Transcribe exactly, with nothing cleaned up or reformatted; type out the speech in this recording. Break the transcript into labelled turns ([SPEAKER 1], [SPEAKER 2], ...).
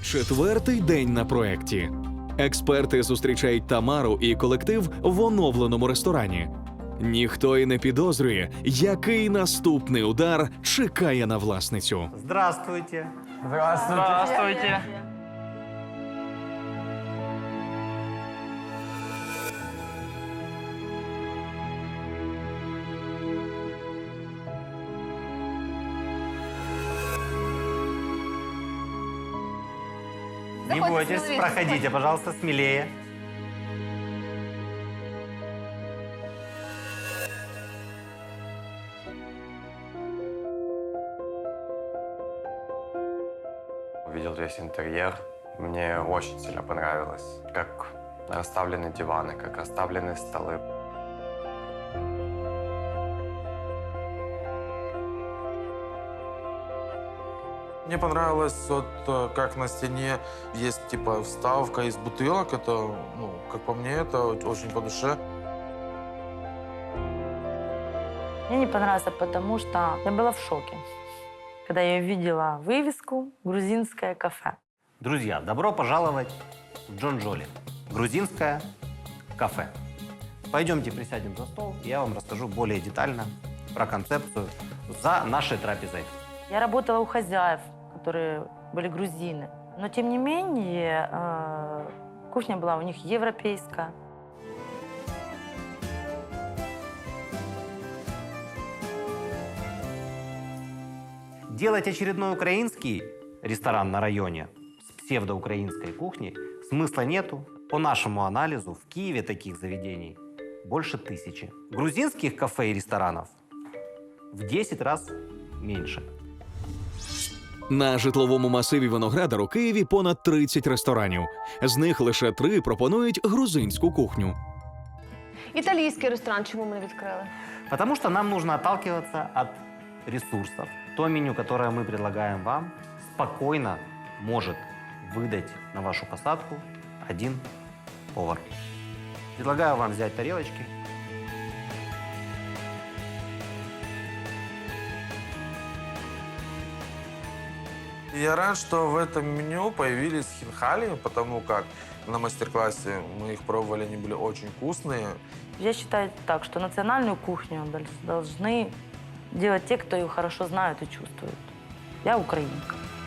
[SPEAKER 1] Четвертий день на проєкті. Експерти зустрічають Тамару і колектив в оновленому ресторані. Ніхто й не підозрює, який наступний удар чекає на власницю.
[SPEAKER 2] Здравствуйте.
[SPEAKER 3] Здравствуйте.
[SPEAKER 4] Здравствуйте.
[SPEAKER 2] Не
[SPEAKER 3] Заходите
[SPEAKER 2] бойтесь,
[SPEAKER 3] смелее,
[SPEAKER 2] проходите,
[SPEAKER 3] заходите.
[SPEAKER 2] пожалуйста, смелее.
[SPEAKER 5] Увидел весь интерьер. Мне очень сильно понравилось, как расставлены диваны, как расставлены столы.
[SPEAKER 6] Мне понравилось, вот, э, как на стене есть типа вставка из бутылок. Это, ну, как по мне, это очень по душе.
[SPEAKER 7] Мне не понравился, потому что я была в шоке, когда я увидела вывеску «Грузинское кафе».
[SPEAKER 2] Друзья, добро пожаловать в Джонджоли. Грузинское кафе. Пойдемте присядем за стол, и я вам расскажу более детально про концепцию за нашей трапезой.
[SPEAKER 7] Я работала у хозяев, которые были грузины. Но, тем не менее, э, кухня была у них европейская.
[SPEAKER 2] Делать очередной украинский ресторан на районе с псевдоукраинской кухней смысла нету. По нашему анализу, в Киеве таких заведений больше тысячи. Грузинских кафе и ресторанов в десять раз меньше.
[SPEAKER 1] На житловому масиві Виноградар у Києві понад тридцять ресторанів. З них лише три пропонують грузинську кухню.
[SPEAKER 3] Італійський ресторан чому ми не відкрили?
[SPEAKER 2] Потому что нам нужно отталкиваться от ресурсов. То меню, которое мы предлагаем вам, спокойно может выдать на вашу посадку один повар. Предлагаю вам взять тарелочки.
[SPEAKER 6] И я рад, что в этом меню появились хинкали, потому как на мастер-классе мы их пробовали, они были очень вкусные.
[SPEAKER 7] Я считаю так, что национальную кухню дол- должны делать те, кто ее хорошо знают и чувствуют. Я украинка.